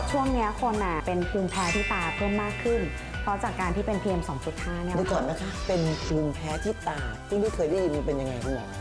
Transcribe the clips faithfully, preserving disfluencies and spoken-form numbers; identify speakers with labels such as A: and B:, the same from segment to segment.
A: ช่วงนี้คนอ่ะเป็นภูมิแพ้ที่ตาเพิ่มมากขึ้นเพราะจากการที่เป็น พี เอ็ม สองจุดห้า เนี่ย
B: ดูก่อนนะคะเป็นภูมิแพ้ที่ตาที่ไม่เคยได้ยินเป็นยังไงคุณหมอ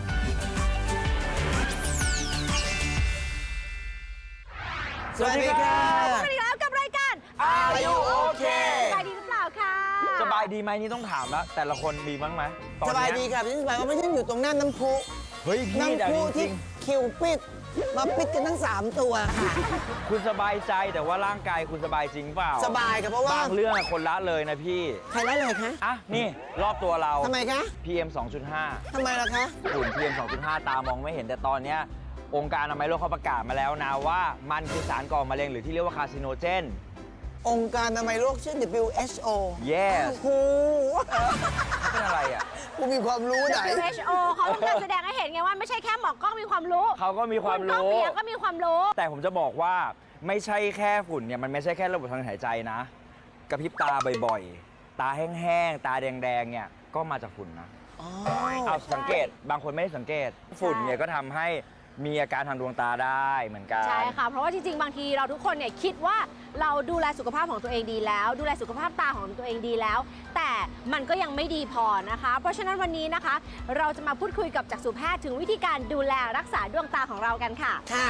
B: สวัสดีค่ะ
C: สวัสดีครับกับรายการ
B: Are You Okay
C: สบายดีหรือเปล่าคะ
D: สบายดีไหมนี่ต้องถามแล้วแต่ละคนดีบ้างไหมตอน
B: ส
D: เนี้
B: บายดีครับพี่สบายว่าไม่ใช่อยู่ตรงหน้าน้ำพุ
D: เฮ้ยพี่เดี๋ยว
B: น้ำพุ
D: จ
B: ที่
D: ริง
B: คิวปิดมาปิดกันทั้งสามตัวค่ะ
D: ๆคุณสบายใจแต่ว่าร่างกายคุณสบายจริงเปล่า
B: สบายครับเพราะว่า
D: บางเรื่องอะคนละเลยนะพี่
B: ใครละเลยคะ
D: อ่ะนี่รอบตัวเรา
B: ทำไมคะ
D: พี เอ็ม สองจุดห้า
B: ทำไมล่ะคะ
D: ฝุ่น พี เอ็ม สองจุดห้า ตามองไม่เห็นแต่ตอนเนี้ยองค์การอนามัยโลกเขาประกาศมาแล้วนะว่ามันคือสารก่อมะเร็งหรือที่เรียกว่าคาร์ซิโนเจน
B: องค์การอนามัยโลกชื่อ ดับเบิลยู เอช โอ
D: yes
B: ครู
D: เป็นอะไรอ่ะ
B: กูมีความรู้ไหน
C: ดับเบิลยู เอช โอ เขาต้องการแสดงให้เห็นไงว่าไม่ใช่แค่หมอกล้องมีความรู้
D: เขาก็มีความ
C: ณก้อง
D: รู้
C: เปียกก็มีความรู้
D: แต่ผมจะบอกว่าไม่ใช่แค่ฝุ่นเนี่ยมันไม่ใช่แค่ระบบทางหายใจนะกระพริบตาบ่อยๆ ตาแห้งๆ ตาแดงๆ เนี่ยก็มาจากฝุ่นนะ
B: อ๋อ
D: เอาสังเกตบางคนไม่ได้สังเกตฝุ่นเนี่ยก็ทำให้มีอาการทางดวงตาได้เหมือนกัน
C: ใช่ค่ะ เพราะว่าจริงๆ บางทีเราทุกคนเนี่ยคิดว่าเราดูแลสุขภาพของตัวเองดีแล้ว ดูแลสุขภาพตาของตัวเองดีแล้ว แต่มันก็ยังไม่ดีพอนะคะ เพราะฉะนั้นวันนี้นะคะ เราจะมาพูดคุยกับจักษุแพทย์ถึงวิธีการดูแลรักษาดวงตาของเรากันค่ะ
B: ค่ะ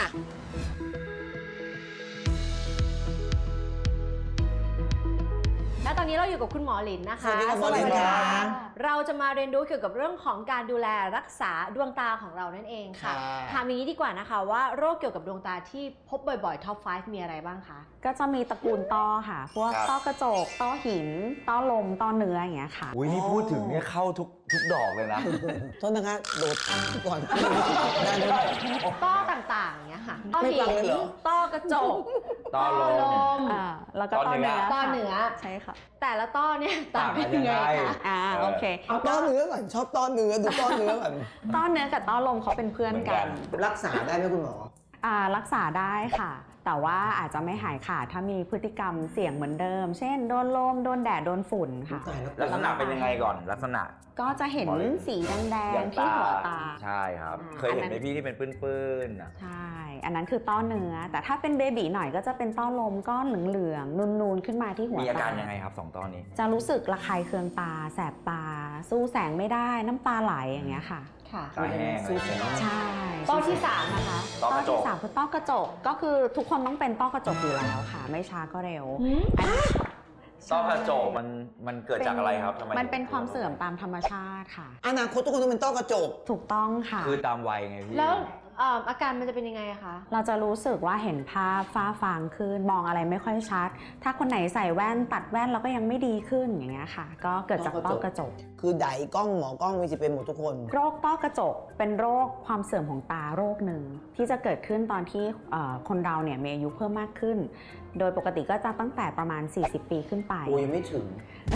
C: และตอนนี้เราอยู่กับคุณหมอหลินนะคะ
B: สวัสดีครับหมอหลินค่ะ
C: เราจะมาเรียนรู้เกี่ยวกับเรื่องของการดูแลรักษาดวงตาของเรานั่นเองค่ะ
B: ค่ะ
C: ถามอย่างนี้ดีกว่านะคะว่าโรคเกี่ยวกับดวงตาที่พบบ่อยๆ ท็อป ไฟว์ มีอะไรบ้างคะ
A: ก็จะมีตระกูลต้อค่ะ พวก
D: ครับ
A: ต้อกระจก ต้อหิน ต้อลม ต้อเนื้ออย่างเงี้ยค่ะ
D: อุ้ยนี่พูดถึงเนี่ยเข้าทุกทุกดอกเลยนะ
B: โทษนะคะโดดก่อนได้ไหม
C: ต้อต่างๆอย่างเงี้ยค่ะ ต้อ
B: ไม่
C: หิ
B: ฟังเลยเหรอ
C: ต้อกระจก
D: ต้อลม
C: ม
A: อ่าแล้วก็
D: ต้
A: ต้
D: อ
A: อ
D: เนื้
A: เนื้
D: อ
A: อ
C: ต้อ
A: ค่ะ
C: เหนือ
A: ใช่ค่ะ
C: แต่ละต้อเนี่ยต่างกันยังไง
D: ต่างกันยัง
C: คะ
D: ไง
A: อ่าโอเค
B: เอาต้อเนื้อก่อนชอบต้อเนื้อดูต้อเนื้อก่อน
A: ต้อเนื้อกับต้อลมเขาเป็นเพื่อนกัน
B: รักษาได้ไหมคุณหมอ
A: อ่ารักษาได้ค่ะ แต่ว่าอาจจะไม่หายขาดถ้ามีพฤติกรรมเสี่ยงเหมือนเดิม เช่นโดนลมโดนแดดโดนฝุ่นค่ะ
B: ตายแล้ว
D: ลักษณะเป็นยังไงก่อนลักษณะ
A: ก็จะเห็น
D: หมอหลิน
A: สีแดงๆที่หัวตา
D: ใช่ครับ
A: อ่า
D: เคยเห็น
A: อัน
D: ไห
A: นั้
D: ม
A: น
D: พี่ที่เป็นปื้นๆอ่ะ
A: ใช่ อันนั้นคือต้อเนื้อ แต่ถ้าเป็นเบบีหน่อยก็จะเป็นต้อลมก้อนเหลืองๆนูนๆขึ้นมาที่หัว
D: มีอาการ
A: ตา
D: ยังไงครับสองตอนนี้
A: จะรู้สึกระคายเคืองตา แสบตา สู้แสงไม่ได้น้ำตาไหลอย่างเงี้ยค่ะ
C: ค่ะ
D: ตาแห้งอะไรอย่างเงี้ยเนาะ
A: ใช่
C: ต้อที่สามนะคะ
D: ต้อกระจก
A: ที่สามคือต้อกระจกก็คือทุกคนต้องเป็นต้อกระจกอยู่แล้วค่ะ ไม่ช้าก็เร็ว
C: หืม
A: อันนี้
D: ต้อกระจกมันมันเกิดจากอะไรครับทำไม
A: มันเป็นความเสื่อมตามธรรมชาติค่ะ
B: อนาคตทุกคนต้องเป็นต้อกระจก
A: ถูกต้องค่ะ
D: คือตามวัยไงพี่
C: แล้วเอ่ออาการมันจะเป็นยังไงอะคะ
A: เราจะรู้สึกว่าเห็นภาพฟ้าฟางขึ้นมองอะไรไม่ค่อยชัด ถ้าคนไหนใส่แว่นตัดแว่นแล้วก็ยังไม่ดีขึ้นอย่างเงี้ยค่ะ ก็เกิดจากต้อกระจก
B: คือไดกล้องหมอกล้องมีสิทธิ์เป็นหมดทุกคน
A: โรคต้อกระจกเป็นโรคความเสื่อมของตาโรคหนึ่งที่จะเกิดขึ้นตอนที่เอ่อคนเราเนี่ยมีอายุเพิ่มมากขึ้น โดยปกติก็จะตั้งแต่ประมาณ สี่สิบ ปีขึ้นไป
B: โอ้ยไม่ถึง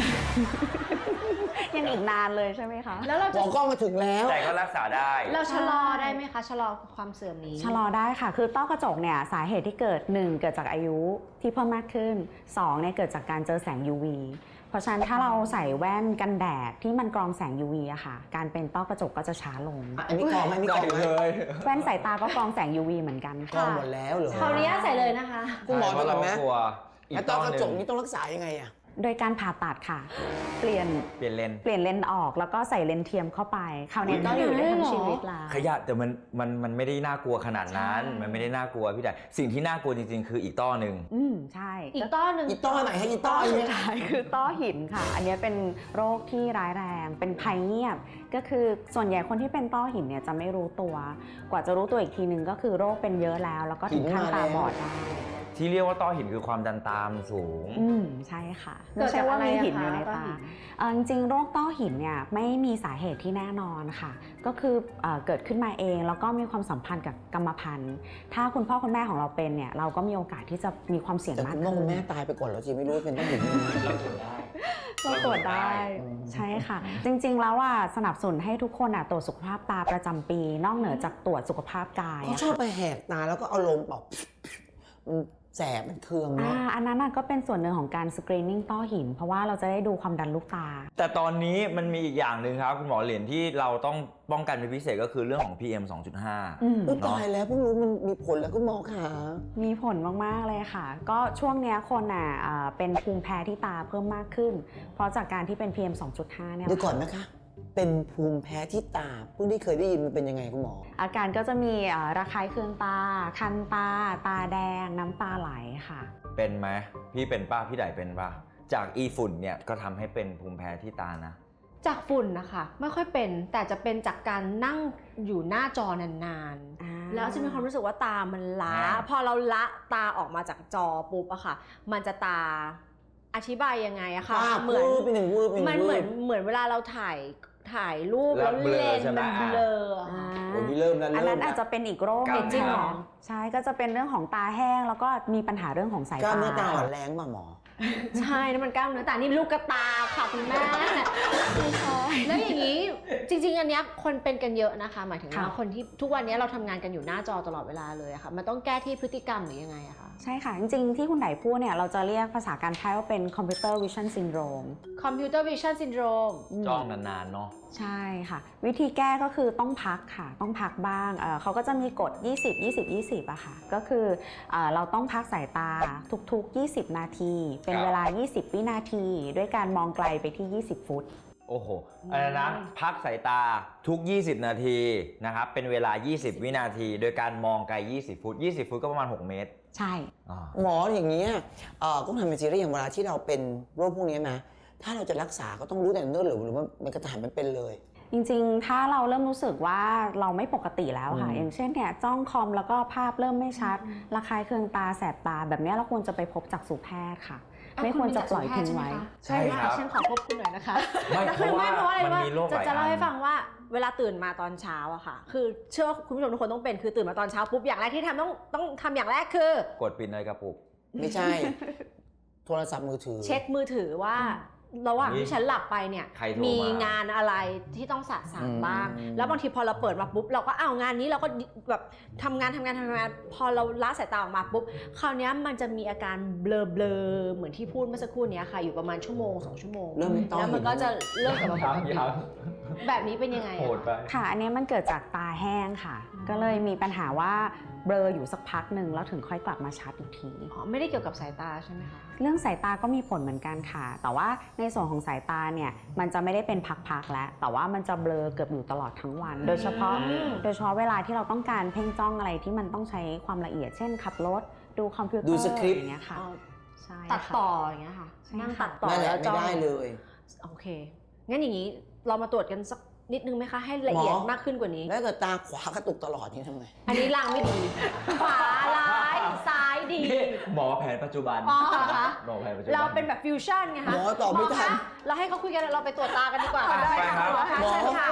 A: ยังอีกนานเลยใช่ไหมคะ
C: แล้วเรา
B: หม
C: จะ
B: อกล้องมาถึงแล้ว
D: แต่ก็รักษาได้
C: เราชะลอได้ไหมคะ ชะลอความเสื่อมนี้
A: ชะลอได้ค่ะ คือต้อกระจกเนี่ยสาเหตุที่เกิด หนึ่ง เกิดจากอายุที่เพิ่มมากขึ้น สอง เนี่ยเกิดจากการเจอแสง ยู วี เพราะฉะนั้นถ้าเราใส่แว่นกันแดดที่มันกรองแสง ยู วี อะค่ะ การเป็นต้อกระจกก็จะช้าลง
B: อันนี้กรองไหมอันนี้กรองไหม
A: แว่นสายตาก็กรองแสง ยู วี เหมือนกัน
B: กรอง
A: ค่ะ
B: หมดแล้วเหรอ
C: ขออนุญาตใส่เลยนะคะ
B: คุณหมอดูก่อนไหม
D: ใช่เพราะเรากลัวอี
B: ไอ้
D: ก
B: ต้
D: ต้
B: อ
D: อก
B: ระ
D: ห
B: จ
D: นึ่
B: ก
D: ง
B: นี่ต้องรักษายังไงอะ
A: โดยการผ่าตัดค่ะ เปลี่ยน
D: เปลี่ยนเลน
A: เปลี่ยนเลนส์ออกแล้วก็ใส่เลนส์เทียมเข้าไปคราวนี้ก็อยู่ได้ทั้งชีวิตละ
D: ขยะแต่มันมันมันไม่ได้น่ากลัวขนาดนั้น
A: ใช่
D: มันไม่ได้น่ากลัวพี่แต่สิ่งที่น่ากลัวจริงๆ คืออีกต้อหนึ่ง
A: อืมใช่
C: อีกต้อหนึ่ง
B: อีต้อไหนให้อีต้อ
A: ต้อ
B: อัน
A: สุ
B: นี้
A: ดท้ายคือต้อหินค่ะ อันนี้เป็นโรคที่ร้ายแรงเป็นภัยเงียบ ก็คือส่วนใหญ่คนที่เป็นต้อหินเนี่ยจะไม่รู้ตัว กว่าจะรู้ตัวอีกทีนึงก็คือโรคเป็นเยอะแล้ว แล้วก็ถึงขั้นตาบอดได้
D: ที่เรียกว่าต้อหินคือความดันตามสูง
A: อืมใช่ค่ะ
C: เกิดจากอะไร
A: ไม่
C: อะ
A: ใช่ว่ามีหินอยู่ใน
C: คะต้อ
A: ตา
C: หิน
A: เอ่อจริงๆโรคต้อหินเนี่ยไม่มีสาเหตุที่แน่นอนค่ะ ก็คือเอ่อเกิดขึ้นมาเองแล้วก็มีความสัมพันธ์กับกรรมพันธุ์ ถ้าคุณพ่อคุณแม่ของเราเป็นเนี่ยเราก็มีโอกาสที่จะมีความเสี่ยง
B: แต่
A: มาก
B: คุณพ่อ
A: ขึ้
B: คุณ
A: น
B: แม่ตายไปก่อนแล้วจีไม่รู้ว่าเป็นต้อหินยังไง
D: เราตรวจได้
A: เราตรวจได้ใช่ค่ะ จริงๆแล้วว่าสนับสนุนให้ทุกคนอ่ะตรวจสุขภาพตาประจำปี นอกเหนือจากตรวจสุขภาพกาย
B: เขา
A: อะ
B: ชอบ
A: ค่ะ
B: ไปแหกตาแล้วก็เอาลมเป่ามันแสบมันเคือง
A: อ่า
B: เนาะ
A: อันนั้นน่ะก็เป็นส่วนหนึ่งของการสกรีนนิ่งต้อหิน เพราะว่าเราจะได้ดูความดันลูกตา
D: แต่ตอนนี้มันมีอีกอย่างหนึ่งครับคุณหมอเหรียญที่เราต้องป้องกันเป็นพิเศษก็คือเรื่องของ พี เอ็ม สองจุดห้า
A: อืม
B: อุ๊ยตายแล้วเพิ่งรู้มันมีผลแล้วคุณหมอขา
A: มีผลมาก ๆ เลยค่ะ ก็ช่วงเนี้ยคนอ่ะเอ่อเป็นภูมิแพ้ที่ตาเพิ่มมากขึ้น เพราะจากการที่เป็น พี เอ็ม สองจุดห้า เนี่ย
B: เดี๋ยวก่อนนะคะ เป็นภูมิแพ้ที่ตาเพิ่งได้เคยได้ยินมันเป็นยังไงคุณหมอ
A: อาการก็จะมีเอ่อระคายเคืองตา คันตา ตาแดง น้ำตาไหลค่ะ
D: เป็นไหมพี่เป็นป้าพี่ไดเป็นป่ะจากอีฝุ่นเนี่ยก็ทำให้เป็นภูมิแพ้ที่ตานะ
C: จากฝุ่นนะคะไม่ค่อยเป็นแต่จะเป็นจากการนั่งอยู่หน้าจอนาน
A: อ่า
C: ๆ แล้วจะมีความรู้สึกว่าตามันล้า
D: อ่า
C: พอเราละตาออกมาจากจอปุ๊บอะค่ะ มันจะตาอธิบายยังไงอะค่ะ
B: ว่า
C: เหมือน
B: วืบไปหนึ่งวืบไปหนึ่ง
C: มันเหมือน
B: วืบ
C: เหมือนเวลาเราถ่ายถ่ายรูป
D: แล้
C: แล้ว ว
D: เบลอ
C: เลน
D: ใช่ไหม
C: มันเบลออะ
A: อ่า
C: ค่ะ
B: โอ้ยนี่เริ่มแล้ว
A: อัน
B: เริ่
A: นั้
B: ม
A: น
B: แล้
A: อาจจะ
B: ว
A: เป็นอีกโรค
D: กล้าม
A: หนึ่ง
D: เนื้อ
A: ค่ะใช่ก็จะเป็นเรื่องของตาแห้งแล้วก็มีปัญหาเรื่องของสาย
B: กล้าม
A: ตา
B: เนื้อตาอ่อนแรงป่ะหมอ
C: ใช่นั่นมันกล้ามเนื้อแต่นี่ลูกกระตาค่ะคุณแม่แล้วอย่างนี้จริงๆอันเนี้ยคนเป็นกันเยอะนะคะ หมายถึงว่าคนที่ทุกวันนี้เราทำงานกันอยู่หน้าจอตลอดเวลาเลยอะค่ะมันต้องแก้ที่พฤติกรรมหรือยังไงอะคะ
A: ใช่ค่ะ จริงๆ ที่คุณไดพูดเนี่ยเราจะเรียกภาษาการแพทย์ว่าเป็นคอมพิวเตอร์วิชั่นซินโดรม
C: คอมพิวเตอร์วิชั่นซินโดรม
D: จ้องนานๆเนาะ
A: ใช่ค่ะ วิธีแก้ก็คือต้องพักค่ะ ต้องพักบ้างเอ่อเขาก็จะมีกฎ ยี่สิบ ยี่สิบ ยี่สิบ อะค่ะ ก็คือเอ่อเราต้องพักสายตาทุกๆ ยี่สิบ นาที เป็นเวลา ยี่สิบ วินาที ด้วยการมองไกลไปที่ ยี่สิบ ฟุต
D: โอ้โหอะไรนะพักสายตาทุก ยี่สิบ นาทีนะครับเป็นเวลา ยี่สิบ วินาที โดยการมองไกล ยี่สิบ ฟุต ยี่สิบ ฟุตก็ประมาณ หก เมตร
A: ใช่
D: อ่า
B: หมออย่างนี้ยเอ่อก็ทำเป็นซีรีส์อย่างเวลาที่เราเป็นโรคพวกนี้นะถ้าเราจะรักษาก็ต้องรู้แต่เนิ่นหรือหรือว่ามันกระถานมันเป็นเลย
A: จริงๆ ถ้าเราเริ่มรู้สึกว่าเราไม่ปกติแล้วค่ะ
B: อืม
A: อย่างเช่นเนี่ยจ้องคอมแล้วก็ภาพเริ่มไม่ชัด ระคายเคืองตาแสบตา แบบนี้เราควรจะไปพบจักษุแพทย์ค่ะ ไม่ควรจะปล่อยทิ้งไว้
D: ใช่ครับ
C: ฉันขอควบคุณหน่อยนะคะ
D: ไม่
C: แต่คือไม่เพราะว่าอะไร
D: มัน
C: ว่า
D: มีโรคห
C: จะ
D: ลาย
C: จะเล่า
D: อัน
C: ให้ฟังว่าเวลาตื่นมาตอนเช้าอะค่ะ คือเชื่อว่าคุณผู้ชมทุกคนต้องเป็นคือตื่นมาตอนเช้าปุ๊บอย่างแรกที่ทำต้องต้องทำอย่างแรกคือก
D: ดปิดในกระปุก
B: ไม่ใช่ โทรศัพท์มือถือ
C: เช็คมือถือว่าระหว่างที่ฉันหลับไปเนี่ย
D: ใครโทรมามี
C: มีงานอะไรที่ต้องสะสางบ้าง
B: อืม
C: แล้วบางทีพอเราเปิดมาปุ๊บเราก็อ้าวงานนี้เราก็แบบทำงานทำงานทำงาน พอเราละสายตาออกมาปุ๊บคราวนี้มันจะมีอาการเบลอเบลอๆเหมือนที่พูดเมื่อสักครู่นี้ค่ะอยู่ประมาณชั่วโมงสองชั่วโมง
B: เริ่มเป็นต้อ
C: แล้วมันก็จะเริ่มกลับมาปกติ
D: ยัง
C: แบบนี้เป็นยังไง
D: โห
C: อะ
D: ดไป
A: ค่ะ อันนี้มันเกิดจากตาแห้งค่ะ ก็เลยมีปัญหาว่าเบลออยู่สักพักหนึ่งแล้วถึงค่อยกลับมาชัดอีกที
C: อ๋อไม่ได้เกี่ยวกับสายตาใช่ไหมคะ
A: เรื่องสายตาก็มีผลเหมือนกันค่ะ แต่ว่าในส่วนของสายตาเนี่ยมันจะไม่ได้เป็นพักๆแล้ว แต่ว่ามันจะเบลอเกือบอยู่ตลอดทั้งวัน โดยเฉพาะ
C: อืม
A: โดยเฉพาะเวลาที่เราต้องการเพ่งจ้องอะไรที่มันต้องใช้ความละเอียด เช่นขับรถ ดูคอมพิวเตอร์
B: ดูสคริปต์
A: อย่างเงี้ยค่ะ
C: อ๋อ
A: ใช่
C: ตัด
A: ค่ะ
C: ต่ออย่างเงี้ยค่ะ
A: ใช่
C: นั่ง
A: ค่ะ
C: ตัดต่อ
B: นั่นแหละ
C: แล้ว
B: ไม่
C: จ้อง
B: ได้เลย
C: โอเค งั้นอย่างนี้เรามาตรวจกันสักนิดนึงไหมคะ ให้ละเอียด
B: หมอ
C: มากขึ้นกว่านี้
B: แล้วเกิดตาขวากระตุกตลอดนี่ทำไง
C: อันนี้ลางไม่ดี ขวาร้ายซ้ายดี
D: หมอแผนปัจจุบัน
C: อ๋อเหรอคะ
D: หมอแผนปัจจุบัน
C: เราเป็นแบบฟิวชั่นไงคะ
B: หมอตอบไม่ทัน
C: หคะเราให้เขาคุยกันเราไปตรวจตากันดีกว่า
D: ได้ครับ
C: หมอคะ
B: หมอ
C: เชิญค่ะ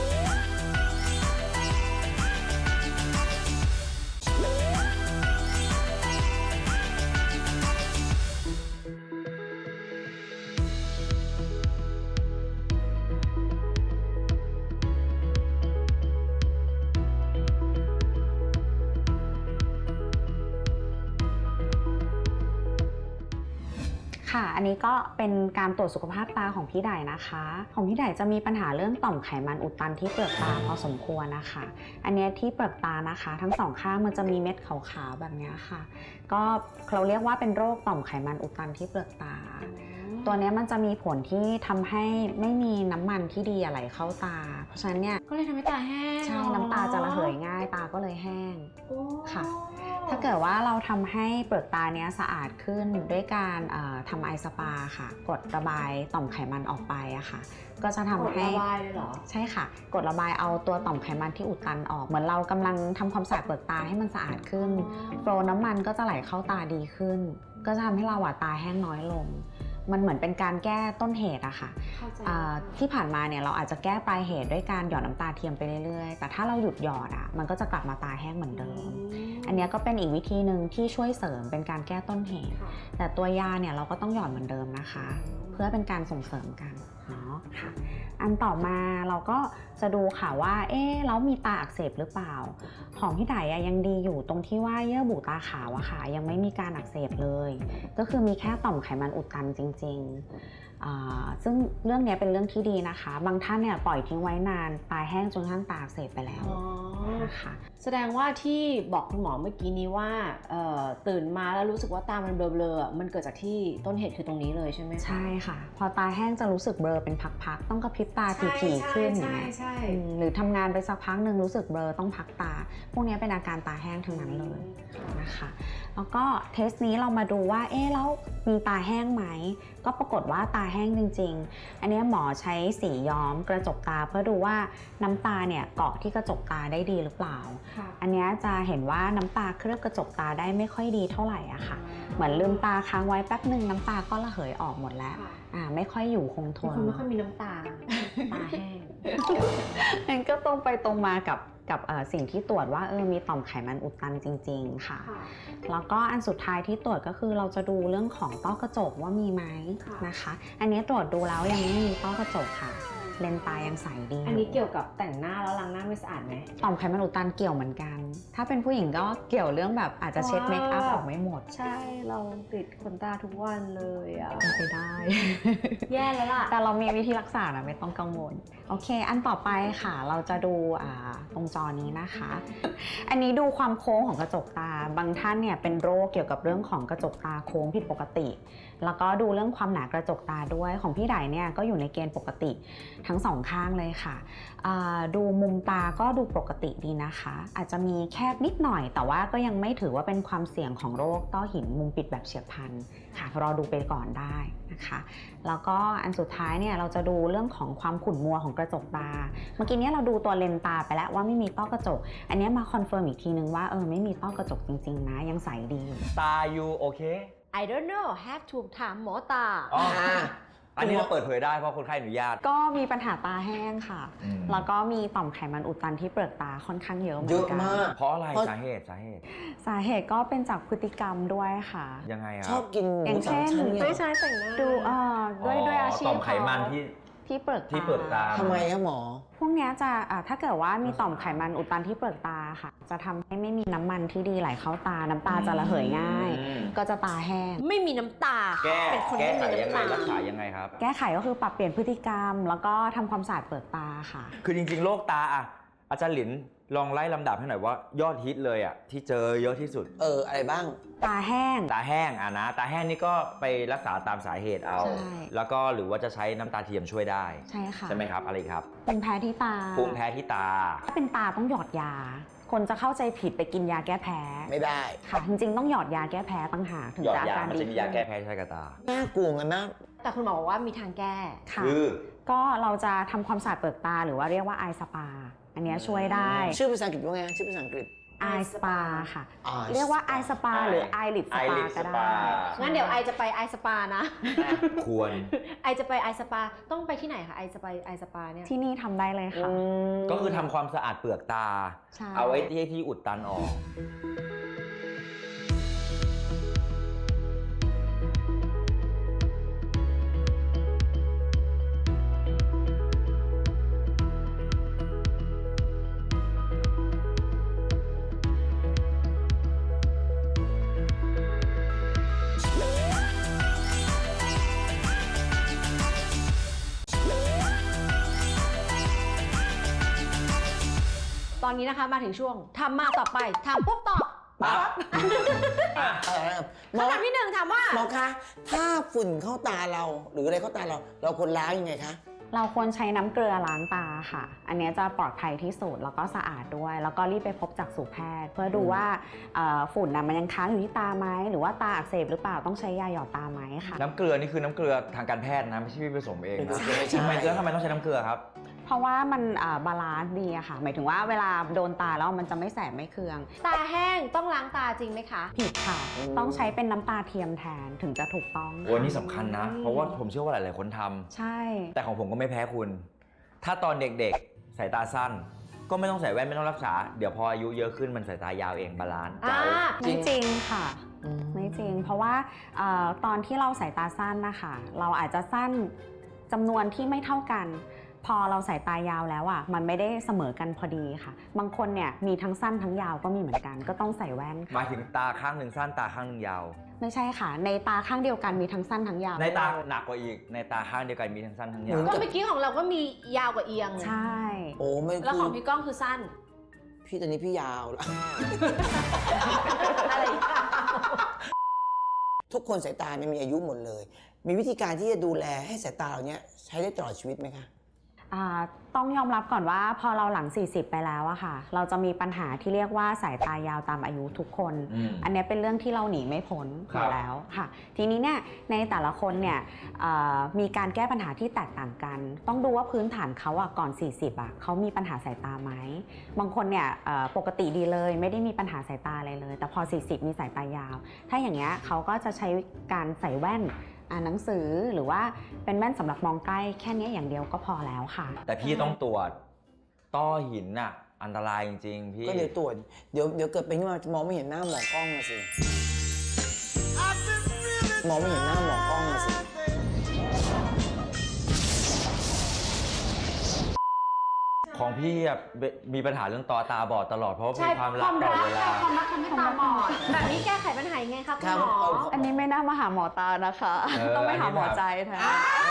A: ค่ะ อันนี้ก็เป็นการตรวจสุขภาพตาของพี่ไดนะคะ ของพี่ไดจะมีปัญหาเรื่องต่อมไขมันอุดตันที่เปลือกตาพอสมควรนะคะ อันเนี้ยที่เปลือกตานะคะ ทั้งสองข้างมันจะมีเม็ดขาวๆแบบเนี้ยค่ะ ก็เราเรียกว่าเป็นโรคต่อมไขมันอุดตันที่เปลือกตา ตัวเนี้ยมันจะมีผลที่ทำให้ไม่มีน้ำมันที่ดีไหลเข้าตา เพราะฉะนั้นเนี่ย
C: ก็เลยทำให้ตาแห้ง
A: ใช่น้ำตาจะระเหยง่ายตาก็เลยแห้ง
C: โอ้
A: ค่ะ ถ้าเกิดว่าเราทำให้เปลือกตาเนี้ยสะอาดขึ้นด้วยการเอ่อทำไอสปาค่ะ กดระบายต่อมไขมันออกไปอะค่ะ ก็จะทำ
C: กด
A: ให้
C: ระบายเลยเหรอ
A: ใช่ค่ะ กดระบายเอาตัวต่อมไขมันที่อุดตันออก เหมือนเรากำลังทำความสะอาดเปลือกตาให้มันสะอาดขึ้น โฟลว์น้ำมันก็จะไหลเข้าตาดีขึ้น ก็จะทำให้เราอะตาแห้งน้อยลง มันเหมือนเป็นการแก้ต้นเหตุอะค่ะ
C: เข้าใจ
A: อ่าที่ผ่านมาเนี่ยเราอาจจะแก้ปลายเหตุด้วยการหยอดน้ำตาเทียมไปเรื่อยๆ แต่ถ้าเราหยุดหยอดอะมันก็จะกลับมาตาแห้งเหมือนเดิม อันเนี้ยก็เป็นอีกวิธีหนึ่งที่ช่วยเสริมเป็นการแก้ต้นเหตุ
C: ค่ะ
A: แต่ตัวยาเนี่ยเราก็ต้องหยอดเหมือนเดิมนะคะ เพื่อเป็นการส่งเสริมกันเนาะค่ะอันต่อมาเราก็จะดูค่ะว่าเอ๊ะแล้วมีตาอักเสบหรือเปล่าของพี่ไดอะยังดีอยู่ตรงที่ว่าเยื่อบุตาขาวอะค่ะยังไม่มีการอักเสบเลยก็คือมีแค่ต่อมไขมันอุดตันจริงๆอ่าซึ่งเรื่องนี้เป็นเรื่องที่ดีนะคะบางท่านเนี่ยปล่อยทิ้งไว้นานตาแห้งจนกระทั่งตาอักเสบไปแล้ว
C: อ๋อ
A: นะคะ
C: แสดงว่าที่บอกคุณหมอเมื่อกี้นี้ว่าเอ่อตื่นมาแล้วรู้สึกว่าตามันเบลอๆอ่ะมันเกิดจากที่ต้นเหตุคือตรงนี้เลยใช่ไหมคะ
A: ใช่ค่ะ พอตาแห้งจะรู้สึกเบลอเป็นพักๆต้องกระพริบตาถี่ๆขึ้นอย่างเงี้ย
C: ใช่
A: อืมหรือทำงานไปสักพักหนึ่งรู้สึกเบลอต้องพักตา พวกนี้เป็นอาการตาแห้งทั้งนั้นเลยนะคะแล้วก็เทสนี้เรามาดูว่าเอ๊ะแล้วมีตาแห้งไหมก็ปรากฏว่าตาแห้งจริงๆ อันนี้หมอใช้สีย้อมกระจกตาเพื่อดูว่าน้ำตาเนี่ยเกาะที่กระจกตาได้ดีหรือเปล่า
C: ค่ะ
A: อันนี้จะเห็นว่าน้ำตาเคลือบกระจกตาได้ไม่ค่อยดีเท่าไหร่อะค่ะ เหมือนลืมตาค้างไว้แป๊บหนึ่งน้ำตาก็ระเหยออกหมดแล้ว
C: ค่ะ
A: อ่าไม่ค่อยอยู่คงท
C: เป็น
A: น
C: คนไม่ค่อยมีน้ำตา ตาแห้ง
A: นั่นก็ตรงไปตรงมากับกับเอ่อสิ่งที่ตรวจว่าเออมีต่อมไขมันอุดตันจริงๆค่ะ แล้วก็อันสุดท้ายที่ตรวจก็คือเราจะดูเรื่องของต้อกระจกว่ามีไหม
C: ค่ะ
A: นะคะ อันนี้ตรวจดูแล้วยังไม่มีต้อกระจกค่ะ เลนส์ตายังใสดี
C: อันนี้เกี่ยวกับแต่งหน้าแล้วล้างหน้าไม่สะอาดไหม
A: ต่อมไขมันอุดตันเกี่ยวเหมือนกัน ถ้าเป็นผู้หญิงก็เกี่ยวเรื่องแบบอาจจะเช็ดเมคอัพออกไม่หมด
C: ใช่เราติดขนตาทุกวันเลยอ่ะ
A: เป็นไปได้
C: แย่แล้วล่ะ
A: แต่เรามีวิธีรักษานะไม่ต้องกังวลโอเค อันต่อไปค่ะเราจะดูอ่าตรงจอนี้นะคะ อันนี้ดูความโค้งของกระจกตาบางท่านเนี่ยเป็นโรคเกี่ยวกับเรื่องของกระจกตาโค้งผิดปกติ แล้วก็ดูเรื่องความหนากระจกตาด้วยของพี่ไดเนี่ยก็อยู่ในเกณฑ์ปกติทั้งสองข้างเลยค่ะอ่าดูมุมตาก็ดูปกติดีนะคะ อาจจะมีแคบนิดหน่อย แต่ว่าก็ยังไม่ถือว่าเป็นความเสี่ยงของโรคต้อหินมุมปิดแบบเฉียบพลันค่ะรอดูไปก่อนได้นะคะ แล้วก็อันสุดท้ายเนี่ยเราจะดูเรื่องของความขุ่นมัวของกระจกตา เมื่อกี้เนี้ยเราดูตัวเลนส์ตาไปแล้วว่าไม่มีต้อกระจก อันเนี้ยมาคอนเฟิร์มอีกทีนึงว่าเออไม่มีต้อกระจกจริงๆนะยังใสดีอยู่
D: ตายูโอเค
C: I don't know have to ถามหมอตา
D: อ๋อ
B: อ่า
D: อันนี้เราเปิดเผยได้เพราะคนไข้อนุญาต
A: ก็มีปัญหาตาแห้งค่ะ
D: อืม
A: แล้วก็มีต่อมไขมันอุดตันที่เปลือกตาค่อนข้างเยอะเหมื
B: เย
A: อน
B: อะ
A: กัน
B: มาก
D: เพราะอะไร
B: เพราะ
D: สาเหตุสาเหตุ
A: สาเหตุก็เป็นจากพฤติกรรมด้วยค่ะ
D: ยังไงอะ
B: ชอบกินห
A: อย่า
B: มู
A: ง
B: สาม
A: เช่น
B: ชั้นเนี่ย
C: ไม่ใช่แต่งหน้า
A: ดูเอ่อด้วยด้วยอาชีพ
D: ต่อมไขมัน
A: เขา
D: ที่
A: ที่เปลือกตา
D: ที่เปลือกตา
B: ทำไมอะหมอ
A: พวกเนี้ยจะอ่าถ้าเกิดว่ามีต่อมไขมันอุดตันที่เปลือกตาค่ะ จะทำให้ไม่มีน้ำมันที่ดีไหลเข้าตา น้ำตาจะระเหยง่าย
D: อืม
A: ก็จะตาแห้ง
C: ไม่มีน้ำตา
D: แก้
C: เป็นคน
D: แก้
C: ไม่
D: ไข
C: มี
D: ยังไง
C: น้ำตา
D: รักษายังไงครับ
A: แก้ไขก็คือปรับเปลี่ยนพฤติกรรม แล้วก็ทำความสะอาดเปลือกตาค่ะ
D: คือจริงๆโรคตาอะอาจารย์หลินลองไล่ลำดับให้หน่อยว่ายอดฮิตเลยอะที่เจอเยอะที่สุด
B: เออ อะไรบ้าง
A: ตาแห้ง
D: ตาแห้งอะนะ ตาแห้งนี่ก็ไปรักษาตามสาเหตุเอา
A: ใช่
D: แล้วก็หรือว่าจะใช้น้ำตาเทียมช่วยได้
A: ใช่ค่ะ
D: ใช่ไหมครับ อะไรอีกครับ
A: เป็นแพ้ที่ตา
D: ภูมิแพ้ที่ตา
A: ถ้าเป็นตาต้องหยอดยา คนจะเข้าใจผิดไปกินยาแก้แพ้
B: ไม่ได้
A: ค่ะ จริงๆต้องหยอดยาแก้แพ้ตั้งหากถึง
D: หยอด
A: จะอา
D: า
A: ยการ
D: มัน
A: ดี
D: จะมียาแก้แพ้ที่ใช้กับตา
B: น่ากลัวกันนะ
C: แต่คุณหมอบอกว่ามีทางแก้
A: ค่ะ
D: คือ
A: ก็เราจะทำความสะอาดเปลือกตาหรือว่าเรียกว่าไอสปา อันเนี้ยช่วยได้
B: ชื่อภาษาอังกฤษว่าไง ชื่อภาษาอังกฤษ
A: ไอสปาค่ะ
B: Eye
A: เรียกว่าไอสปา
D: Eye
A: หรือไอลิปสปา
D: Eyelid
A: ก็ได้
D: Spa
C: งั้นเดี๋ยวไอจะไปไอสปานะ
D: ควร
C: ไอจะไปไอสปาต้องไปที่ไหนคะไอจะไปไอสปาเนี่ย
A: ที่นี่ทำได้เลยค่ะ
D: ก็คือทำความสะอาดเปลือกตา
A: ใช่
D: เอาไว้ที่ที่อุดตันออก
C: ตอนนี้นะคะมาถึงช่วงทำมาต่อไปทำปุ๊บตอบ
B: ปั๊บ
D: อ่ะ
B: เออหมอ
C: คำถามที่หนึ่งถามว่า
B: หมอคะ ถ้าฝุ่นเข้าตาเรา หรืออะไรเข้าตาเรา เราควรล้างยังไงคะ
A: เราควรใช้น้ำเกลือล้างตาค่ะ อันเนี้ยจะปลอดภัยที่สุดแล้วก็สะอาดด้วย แล้วก็รีบไปพบจักษุแพทย์ เพื่อดูว่าเอ่อฝุ่นนะมันยังค้างอยู่ที่ตาไหมหรือว่าตาอักเสบหรือเปล่าต้องใช้ยาหยอดตาไหมค่ะ
D: น้ำเกลือนี่คือน้ำเกลือทางการแพทย์นะ ไม่ใช่พี่ผสมเองนะ
B: ใช่ใช่
D: ทำไมแล้วทำไมต้องใช้น้ำเกลือครับ
A: เพราะว่ามันอ่าบาลานซ์ดีอะค่ะ หมายถึงว่าเวลาโดนตาแล้วมันจะไม่แสบไม่เคือง
C: ตาแห้งต้องล้างตาจริงไหมคะ
A: ผิดค่ะ
B: อืม
A: ต้องใช้เป็นน้ำตาเทียมแทนถึงจะถูกต้อง
D: โอ้นี่สำคัญนะ เพราะว่าผมเชื่อว่าหลายๆคนทำ
A: ใช่
D: แต่ของผมก็ไม่แพ้คุณ ถ้าตอนเด็กๆ สายตาสั้น ก็ไม่ต้องใส่แว่นไม่ต้องรักษา เดี๋ยวพออายุเยอะขึ้นมันสายตายาวเองบาลานซ์
C: อ่า
D: เจ้า
A: ไม่จริงค่ะ ไม่จริง เพราะว่าเออตอนที่เราสายตาสั้นนะคะเราอาจจะสั้นจำนวนที่ไม่เท่ากัน พอเราสายตายาวแล้วอ่ะมันไม่ได้เสมอกันพอดีค่ะ บางคนเนี่ยมีทั้งสั้นทั้งยาวก็มีเหมือนกันก็ต้องใส่แว่น
D: หมา
A: ค่ะ
D: ยถึงตาข้างหนึ่งสั้นตาข้างหนึ่งยาว
A: ไม่ใช่ค่ะ ในตาข้างเดียวกันมีทั้งสั้นทั้งยาว
D: ในตาหนักกว่าอีกในตาข้างเดียวกันมีทั้งสั้นทั้งยาว
C: ก็เมื่อกี้ของเราก็มียาวกว่าเอียง
A: ใช่
B: โอ้ไม่
C: แล้วของ
B: คือ
C: พี่ก้องคือสั้น
B: พี่ตอนนี้พี่ยาวแล้ว
C: อะไรอย่างเงี้ย
B: ทุกคนสายตาเนี่ยมีอายุหมดเลย มีวิธีการที่จะดูแลให้สายตาเราเนี้ยใช้ได้ตลอดชีวิตไหมคะ
A: อ่าต้องยอมรับก่อนว่าพอเราหลัง สี่สิบ ไปแล้วอะค่ะ เราจะมีปัญหาที่เรียกว่าสายตายาวตามอายุทุกคน
D: อืม
A: อันนี้เป็นเรื่องที่เราหนีไม่พ้นอ
D: ครับ
A: ยู่แล้วค่ะ ทีนี้เนี่ยในแต่ละคนเนี่ยเอ่อมีการแก้ปัญหาที่แตกต่างกัน ต้องดูว่าพื้นฐานเขาอะก่อน สี่สิบ อะเขามีปัญหาสายตาไหม บางคนเนี่ยเอ่อปกติดีเลยไม่ได้มีปัญหาสายตาอะไรเลย แต่พอ สี่สิบ มีสายตายาว ถ้าอย่างเงี้ยเขาก็จะใช้การใส่แว่นอ่านหนังสือหรือว่าเป็นแว่นสำหรับมองใกล้แค่นี้อย่างเดียวก็พอแล้วค่ะ
D: แต่พี่ต้องตรวจต้อหินน่ะอันตรายจริงๆพี่
B: ก็เดี๋ยวตรวจเดี๋ยวเดี๋ยวเกิดเป็นขึ้นมาจะมองไม่เห็นหน้าหมอกล้องมาสิมองไม่เห็นหน้าหมอกล้องมาสิ
D: ของพี่อะเบมีปัญหาเรื่องต่อตาบอดตลอดเพราะว่า
C: ใช่
D: มีความรักตลอดเวลา
C: ความรักทำให้ตาบอดแบบนี้แก้ไขปัญหายังไงครับคุณหมอ
A: อันนี้ไม่น่ามาหาหมอตานะคะ
D: เออ
A: ต้องไปหาหมอใจแทน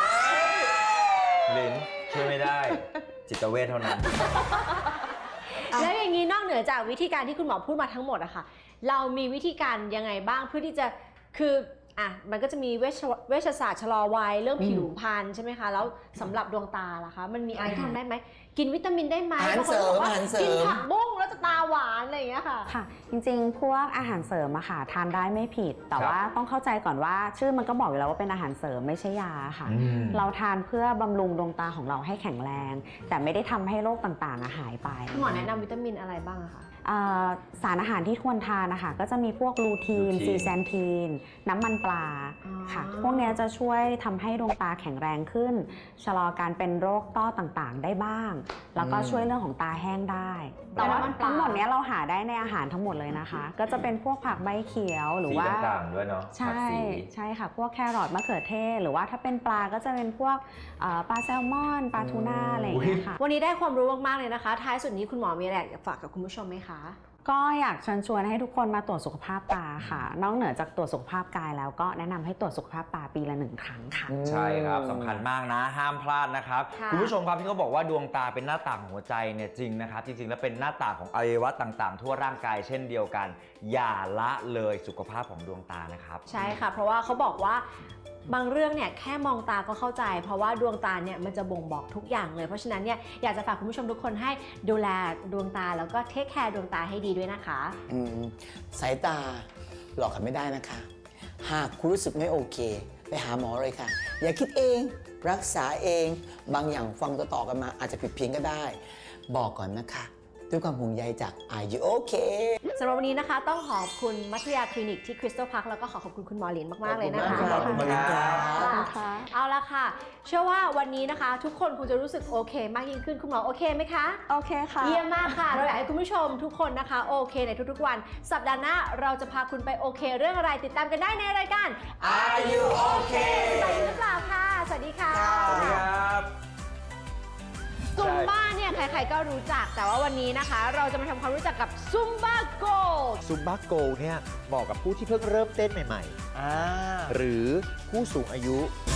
D: ลิ้นช่วยไม่ได้ จิตเวชเท่านั้น
C: แล้วอย่างนี้นอกเหนือจากวิธีการที่คุณหมอพูดมาทั้งหมดอะค่ะเรามีวิธีการยังไงบ้างเพื่อที่จะคืออ่ะมันก็จะมีเวชเวชศาสตร์ชะลอวัยเรื่องผิวพรรณใช่ไหมคะแล้วสำหรับดวงตาล่ะคะมันมีอะไรที่ทำได้ไหมกินวิตามินได้ไหม
B: อาหาร
C: บางคน
B: เสริ
C: บอ
B: ม
C: กว่า
B: อาหารเสริ
C: กิน
B: ม
C: ผักบุ้งแล้วจะตาหวานอะไรอย่างเงี้ยค่ะ
A: ค่ะ จริงๆ พวกอาหารเสริมอะค่ะทานได้ไม่ผิด แต่
D: ครับ
A: ว่าต้องเข้าใจก่อนว่าชื่อมันก็บอกอยู่แล้วว่าเป็นอาหารเสริมไม่ใช่ยาค่ะ
D: อืม
A: เราทานเพื่อบำรุงดวงตาของเราให้แข็งแรง แต่ไม่ได้ทำให้โรคต่างๆอะหายไป
C: คุณหมอแนะนำวิตามินอะไรบ้างอะคะ
A: อ่าสารอาหารที่ควรทานนะคะก็จะมีพวกลูทีน
D: ลูทีน
A: ซีแซนทีน น้ำมันปลา
C: อ๋อ
A: ค่ะ พวกเนี้ยจะช่วยทำให้ดวงตาแข็งแรงขึ้น ชะลอการเป็นโรคต้อต่างๆ ได้บ้าง แล้วก็ช่วยเรื่องของตาแห้งได้ แต่ว่าทั้งหมดเนี้ยเราหาได้ในอาหารทั้งหมดเลยนะคะ ก็จะเป็นพวกผักใบเขียวหรือว่า
D: สีต่างๆด้วยเนาะ
A: ใช่
D: ผักสี
A: ใช่ค่ะ พวกแครอทมะเขือเทศ หรือว่าถ้าเป็นปลาก็จะเป็นพวกเอ่อปลาแซลมอนปลาทูน่าอะไรอย่างเงี้ยค่ะ
C: วันนี้ได้ความรู้มากๆเลยนะคะ ท้ายสุดนี้คุณหมอมีอะไรอยากจะฝากกับคุณผู้ชมไหมคะ
A: ก็อยากเชิญชวนให้ทุกคนมาตรวจสุขภาพตาค่ะ นอกเหนือจากตรวจสุขภาพกายแล้วก็แนะนำให้ตรวจสุขภาพตาปีละหนึ่งครั้งค่ะ
D: ใช่ครับสำคัญมากนะห้ามพลาดนะครับ
C: ค่ะ
D: คุณผู้ชมครับที่เขาบอกว่าดวงตาเป็นหน้าต่างของหัวใจเนี่ยจริงนะครับ จริงๆ แล้วเป็นหน้าต่างของอวัยวะต่างๆ ทั่วร่างกายเช่นเดียวกัน อย่าละเลยสุขภาพของดวงตานะครับ
C: ใช่ค่ะ เพราะว่าเขาบอกว่าบางเรื่องเนี่ยแค่มองตาก็เข้าใจ เพราะว่าดวงตาเนี่ยมันจะบ่งบอกทุกอย่างเลย เพราะฉะนั้นเนี่ยอยากจะฝากคุณผู้ชมทุกคนให้ดูแลดวงตาแล้วก็เทคแคร์ดวงตาให้ดีด้วยนะคะ
B: อืมสายตาหลอกกันไม่ได้นะคะ หากคุณรู้สึกไม่โอเค ไปหาหมอเลยค่ะ อย่าคิดเอง รักษาเอง บางอย่างฟังต่อๆกันมาอาจจะผิดเพี้ยนก็ได้ บอกก่อนนะคะ ด้วยความห่วงใยจาก Are You Okay
C: สำหรับวันนี้นะคะต้องขอบคุณมัธยาคลินิกที่คริสตัลพาร์คแล้วก็ขอขอบคุณคุณหมอหลินมาก ๆ เลยนะคะ
B: ขอบคุณมากครับ
A: ขอบคุณค่ะ
C: เอาละค่ะ เชื่อว่าวันนี้นะคะ ทุกคนคงจะรู้สึกโอเคมากยิ่งขึ้นคุณหมอโอเคไหมคะ
A: โอเคค่ะ
C: เยี่ยมมากค่ะ เราอยากให้คุณผู้ชมทุกคนนะคะโอเคในทุกๆวัน สัปดาห์หน้าเราจะพาคุณไปโอเค เรื่องอะไรติดตามกันได้ในรายการ
B: Are You Okay
C: สบายดีหรือเปล่าค่ะ สวัสดีค่ะ
D: สวัสดีครับ
C: ซุมบ้าเนี่ยใครๆก็รู้จัก แต่ว่าวันนี้นะคะ เราจะมาทำความรู้จักกับซุมบ้าโก
E: ซุมบ้าโกเนี่ยเหมาะกับผู้ที่เพิ่งเริ่มเต้นใหม่
B: อ่า
E: ๆ หรือผู้สูงอายุ